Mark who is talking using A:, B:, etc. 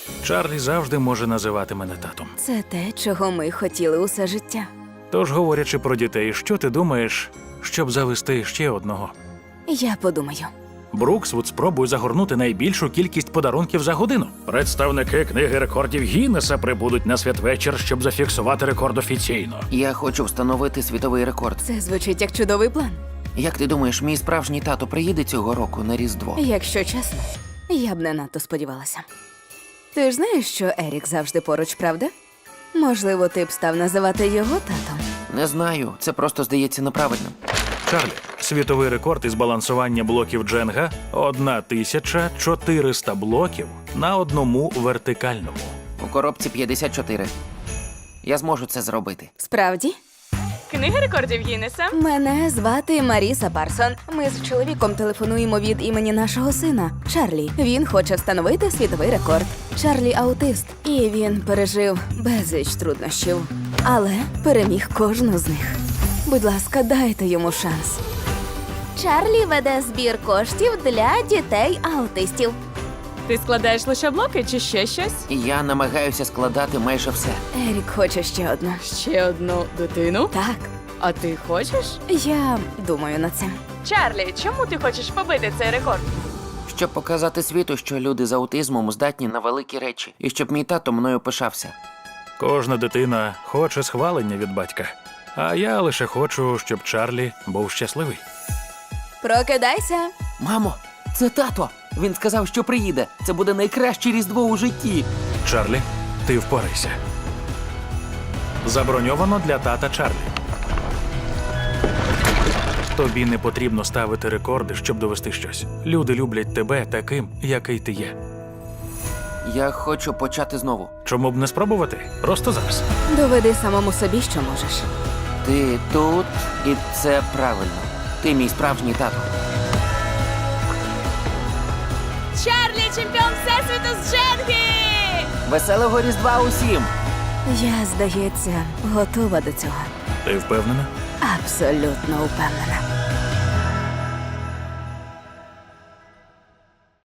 A: Чарлі завжди може називати мене татом.
B: Це те, чого ми хотіли усе життя.
A: Тож, говорячи про дітей, що ти думаєш, щоб завести ще одного?
B: Я подумаю.
A: Бруксвуд спробує загорнути найбільшу кількість подарунків за годину. Представники книги рекордів Гіннеса прибудуть на святвечір, щоб зафіксувати рекорд офіційно.
C: Я хочу встановити світовий рекорд.
B: Це звучить як чудовий план.
C: Як ти думаєш, мій справжній тато приїде цього року на Різдво?
B: Якщо чесно, я б не надто сподівалася. Ти ж знаєш, що Ерік завжди поруч, правда? Можливо, ти б став називати його татом.
C: Не знаю, це просто здається неправильним.
A: Чарлі, світовий рекорд із балансування блоків Дженга – 1400 блоків на одному вертикальному.
C: У коробці 54. Я зможу це зробити.
B: Справді?
D: Книга рекордів Гіннеса.
B: Мене звати Маріса Парсон. Ми з чоловіком телефонуємо від імені нашого сина Чарлі. Він хоче встановити світовий рекорд. Чарлі аутист, і він пережив безліч труднощів, але переміг кожну з них. Будь ласка, дайте йому шанс. Чарлі веде збір коштів для дітей-аутистів.
D: Ти складаєш лише блоки чи ще щось?
C: І я намагаюся складати майже все.
B: Ерік хоче ще одну.
D: Ще одну дитину?
B: Так,
D: А ти хочеш?
B: я думаю над цим.
D: Чарлі, чому ти хочеш побити цей рекорд?
C: Щоб показати світу, що люди з аутизмом здатні на великі речі. І щоб мій тато мною пишався.
A: Кожна дитина хоче схвалення від батька. А я лише хочу, щоб Чарлі був щасливий.
B: Прокидайся.
C: Мамо, це тато! Він сказав, що приїде. Це буде найкраще Різдво у житті.
A: Чарлі, ти впорайся. Заброньовано для тата Чарлі. Тобі не потрібно ставити рекорди, щоб довести щось. Люди люблять тебе таким, який ти є.
C: Я хочу почати знову.
A: Чому б не спробувати? Просто зараз.
B: Доведи самому собі, що можеш.
C: Ти тут, і це правильно. Ти мій справжній тато.
D: Чарлі, чемпіон всесвіту з Дженги!
C: Веселого Різдва усім!
B: Я, здається, готова до цього.
A: Ти впевнена?
B: Абсолютно упевнена.